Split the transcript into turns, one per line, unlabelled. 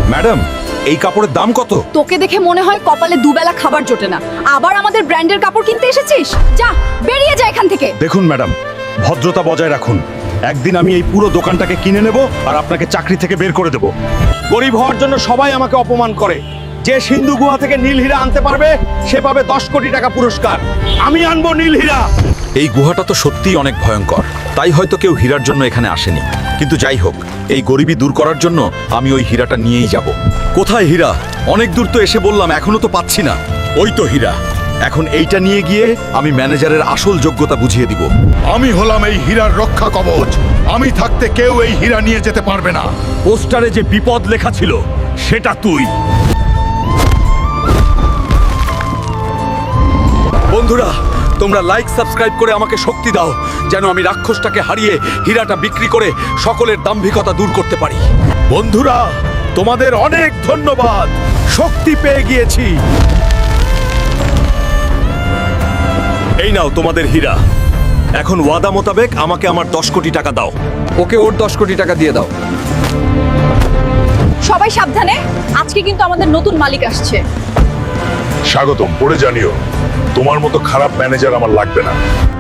Madam, এই কাপড়ের দাম কত?
তোকে দেখে মনে হয় কপালে দুবেলা খাবার জোটে না, আবার আমাদের ব্র্যান্ডের কাপড় কিনতে এসেছিস? যা বেরিয়ে যা এখান থেকে।
দেখুন ম্যাডাম, ভদ্রতা বজায় রাখুন। একদিন আমি এই পুরো দোকানটাকে কিনে নেব আর আপনাকে চাকরি থেকে বের করে দেব। গরিব হওয়ার জন্য সবাই আমাকে অপমান করে। যে সিন্ধু গুহা থেকে নীল হীরা আনতে পারবে সে পাবে 10 কোটি টাকা পুরস্কার। আমি আনবো নীল হীরা। এই গুহাটা তো সত্যিই অনেক ভয়ঙ্কর, তাই হয়তো কেউ হীরার জন্য এখানে আসেনি। কিন্তু যাই হোক, এই গরিবি দূর করার জন্য আমি ওই হীরাটা নিয়েই যাব। কোথায় হীরা? অনেক দূর তো এসে বললাম, এখনো তো পাচ্ছি না। ওই তো হীরা। এখন এইটা নিয়ে গিয়ে আমি ম্যানেজারের আসল যোগ্যতা বুঝিয়ে দিব।
আমি হলাম এই হীরার রক্ষা কবচ। আমি থাকতে কেউ এই হীরা নিয়ে যেতে পারবে না।
পোস্টারে যে বিপদ লেখা ছিল সেটা তুই। বন্ধুরা, তোমরা লাইক সাবস্ক্রাইব করে আমাকে শক্তি দাও, যেন আমি রাক্ষসটাকে হারিয়ে হীরাটা বিক্রি করে সকলের দাম্ভিকতা দূর করতে পারি। বন্ধুরা, তোমাদের অনেক ধন্যবাদ। শক্তি পেয়ে গিয়েছি। এই নাও তোমাদের হীরা। এখন ওয়াদা মোতাবেক আমাকে আমার 10 কোটি টাকা দাও।
ওকে ওর 10 কোটি টাকা দিয়ে দাও।
সবাই সাবধানে, আজকে কিন্তু আমাদের নতুন মালিক আসছে।
স্বাগতম, পড়ে জানিও। তোমার মতো খারাপ ম্যানেজার আমার লাগবে না।